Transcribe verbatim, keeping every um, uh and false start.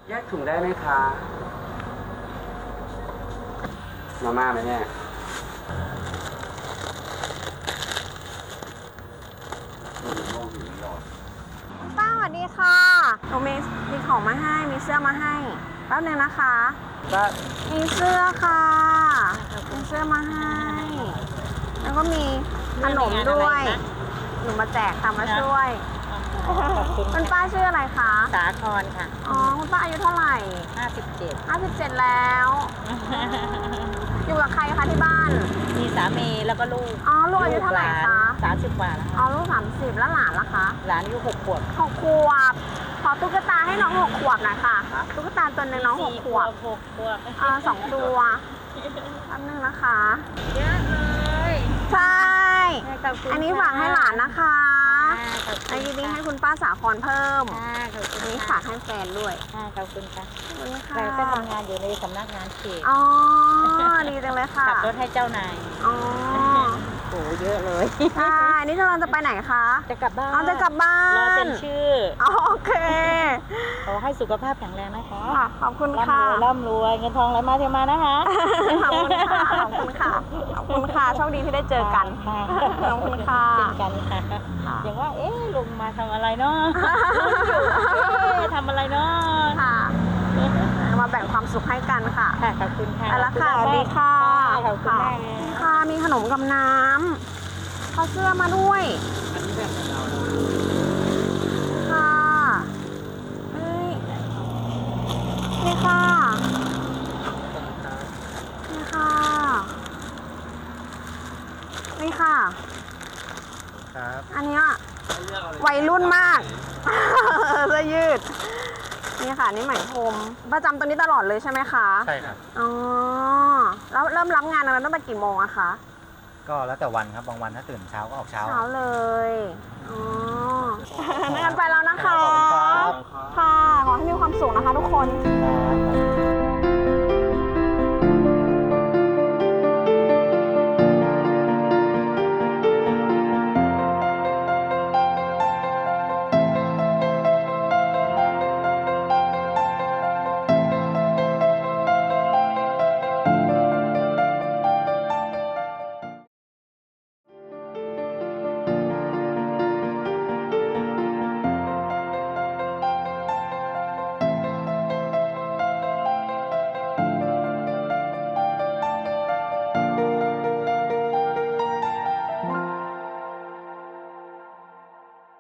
แยกถุงได้ไหมคะมาม่าไหมเนี่ยป้าสวัสดีค่ะหนูมีมีของมาให้ มีเสื้อมาให้แป๊บนึงนะคะก็มีเสื้อค่ะ มีเสื้อมาให้ แล้วก็มีขนมด้วย หนูมาแจกค่ะมาช่วยคุณป้าชื่ออะไรคะสาครค่ะอ๋อ คุณป้าอายุเท่าไหร่ห้าสิบเจ็ดห้าสิบเจ็ดแล้ว อยู่กับใครคะที่บ้านมีสามีแล้วก็ลูกอ๋อ ลูกอายุเท่าไหร่คะสามสิบกว่าแล้วอ๋อ ลูกสามสิบแล้วหลานล่ะคะหลานอายุหกขวบหกขวบ ขอตุ๊กตาให้น้องหกขวบหน่อยค่ะ ตุ๊กตาตัวหนึ่งน้องหกขวบหกขวบอ่าสองตัวแป๊บนึงนะคะเยอะเลยใช่ขอบคุณอันนี้ฝากให้หลานนะคะขอบอัคุนณนี้ให้คุณป้าสาครเพิ่มค่ะขอบคุณอันนี้ฝากให้แฟนด้วยค่ะขอบคุณค่ะขอบคุณค่ะเราก็ทำงานอยู่ในสำนักงานเขตอ๋อ ดีจังเลยค่ะขับรถให้เจ้านายอ๋อโอ้เยอะเลยใช่นี่เราจะไปไหนคะจะกลับบ้านอ๋อจะกลับบ้ารอเซ็นนชื่ออ๋อโอเคขอให้สุขภาพแข็งแรงนะคะค่ะขอบคุณร่ำรค่ะวยร่ำรวยเงินทองไหลมาเทมานะคะขอบคุณค่ะ ขอบคุณค่ะ ขอบคุณค่ะ โชคดีที่ได้เจอกันค่ะขอบคุณค่ะเช่นกันค่ะค่ะอย่างว่า เอ๊ะลุงมาทำอะไรเนาะลุงอยู่เอ๊ะทำอะไรเนาะค่ะ มาแบ่งความสุขให้กันค่ะค่ะขอบคุณค่ะไปละค่ะสวัสดีค่ะขอบคุณมากเลยค่ะ มีขนมกับน้ำเขาเสื้อมาด้วยอันนี้แบบของเราค่ะเอ้ยนี่ค่ะ นี่ค่ะ นี่ค่ะครับอันเนี้ยวัยรุ่นมาก เสื้อยืด นี่ค่ะ นี่ไหมพรมประจำตัวนี้ตลอดเลยใช่ไหมคะใช่ครับอ๋อ แล้วเริ่มรับงานอะไรตั้งแต่กี่โมงอะคะก็แล้วแต่วันครับ บางวันถ้าตื่นเช้าก็ออกเช้าเช้าเลย อ๋อ งั้นไปแล้วนะคะขอบคุณครับค่ะ ขอให้มีความสุขนะคะทุกคน